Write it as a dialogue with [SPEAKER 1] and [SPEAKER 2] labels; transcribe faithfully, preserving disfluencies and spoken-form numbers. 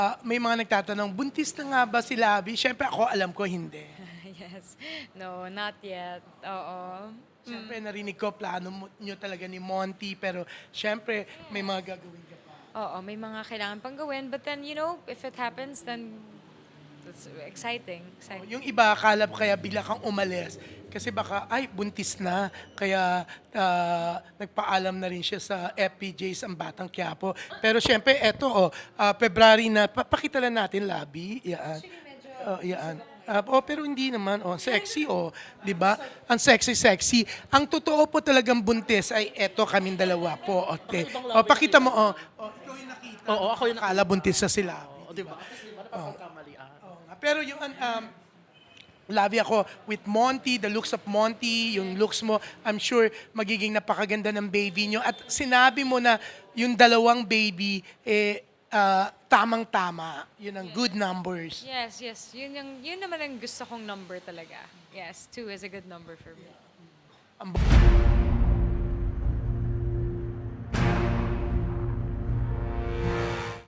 [SPEAKER 1] Ah, may mga nagtatanong, buntis na nga ba si Labi? Siyempre ako alam ko hindi.
[SPEAKER 2] Yes. No, not yet. Oo.
[SPEAKER 1] Siyempre narinig ko plano mo, nyo talaga ni Monty, pero siyempre may mga gagawin ka pa.
[SPEAKER 2] Oo, may mga kailangan pang gawin. But then, you know, if it happens, then it's exciting. exciting.
[SPEAKER 1] Yung iba, akala ko kaya bigla kang umalis. Kasi baka, ay, buntis na. Kaya ah, nagpaalam na rin siya sa F P Js ang Batang Quiapo. Pero syempre, eto, oh, ah, February na, papakita lang natin, Labi. Yan. Oh, yan. Ah, oh, pero hindi naman, oh, sexy, oh, 'di ba? Ang sexy-sexy. Ang totoo po talagang buntis ay eto kaming dalawa po. Okay. Oh, pakita mo, oh. Oh, ikaw yung nakita.
[SPEAKER 3] Oo, ako yung
[SPEAKER 1] Akala buntis na sila.
[SPEAKER 3] Oo, di ba? Kasi di ba napapagkamalian?
[SPEAKER 1] Oo nga. Pero yung um, Labi ako with Monty, the looks of Monty, yung looks mo, I'm sure magiging napakaganda ng baby nyo. At sinabi mo na yung dalawang baby, eh, ah, tamang-tama. Yun ang good numbers.
[SPEAKER 2] Yes, yes. Yun, yung, yun naman ang gusto kong number talaga. Yes, two is a good number for me.
[SPEAKER 1] Ang